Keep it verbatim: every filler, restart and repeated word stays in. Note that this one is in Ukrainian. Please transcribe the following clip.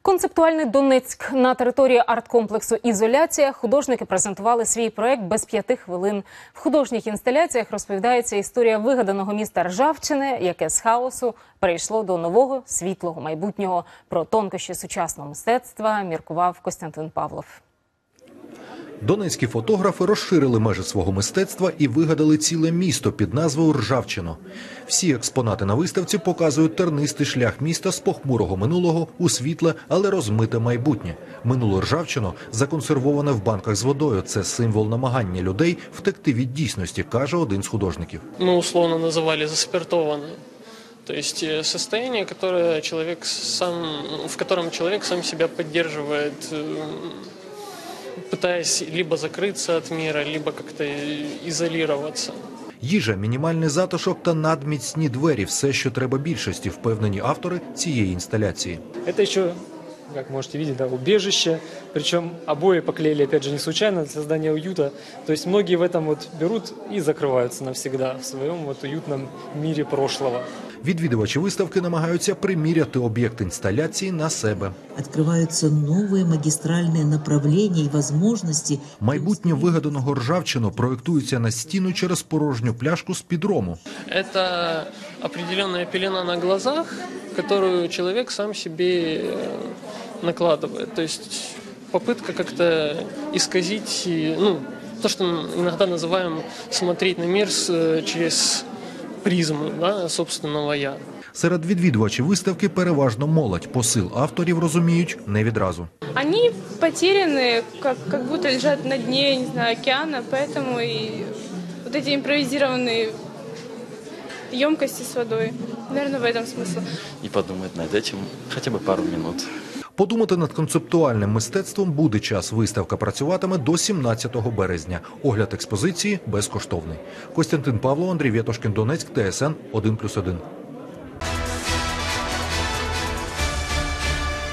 Концептуальний Донецьк. На території арт-комплексу «Ізоляція» художники презентували свій проект «Без п'яти хвилин». В художніх інсталяціях розповідається історія вигаданого міста Ржавчини, яке з хаосу перейшло до нового світлого майбутнього. Про тонкощі сучасного мистецтва міркував Костянтин Павлов. Донецькі фотографи розширили межі свого мистецтва і вигадали ціле місто під назвою Ржавчино. Всі експонати на виставці показують тернистий шлях міста з похмурого минулого у світле, але розмите майбутнє. Минуле Ржавчино законсервоване в банках з водою. Це символ намагання людей втекти від дійсності, каже один з художників. Ми условно називали заспиртованою. То есть состояние, которое человек сам, в котором человек сам себя поддерживает, пытаясь либо закрыться от мира, либо как-то изолироваться. Їжа, мінімальний затишок та надміцні двері – все, що треба більшості, впевнені автори цієї інсталяції. Це ще, как можете видеть, да, убежище, причем обои поклеили, опять же, не случайно, для создания уюта. То есть многие в этом вот берут и закрываются навсегда в своем вот уютном мире прошлого. Відвідувачі виставки намагаються приміряти об'єкт інсталяції на себе. Відкриваються нові магістральні направлення і можливості. Майбутнє вигаданого Ржавчино проєктується на стіну через порожню пляшку з-під рому. Це определенна пелена на глазах, яку чоловік сам собі накладає. Тобто попытка как-то исказить, ну, то, что иногда называем смотреть на мир через призму, да, собственного «я». Серед відвідувачів виставки переважно молодь. Посил авторів розуміють не відразу. Они потеряны, как, как будто лежат на дне, не знаю, океана, поэтому и вот эти импровизированные емкости с водой. Наверное, в этом смысл. И подумать над этим хотя бы пару минут. Подумати над концептуальним мистецтвом буде час. Виставка працюватиме до сімнадцятого березня. Огляд експозиції безкоштовний. Костянтин Павлов, Андрій Вєтошкін, Донецьк, Т С Н один плюс один.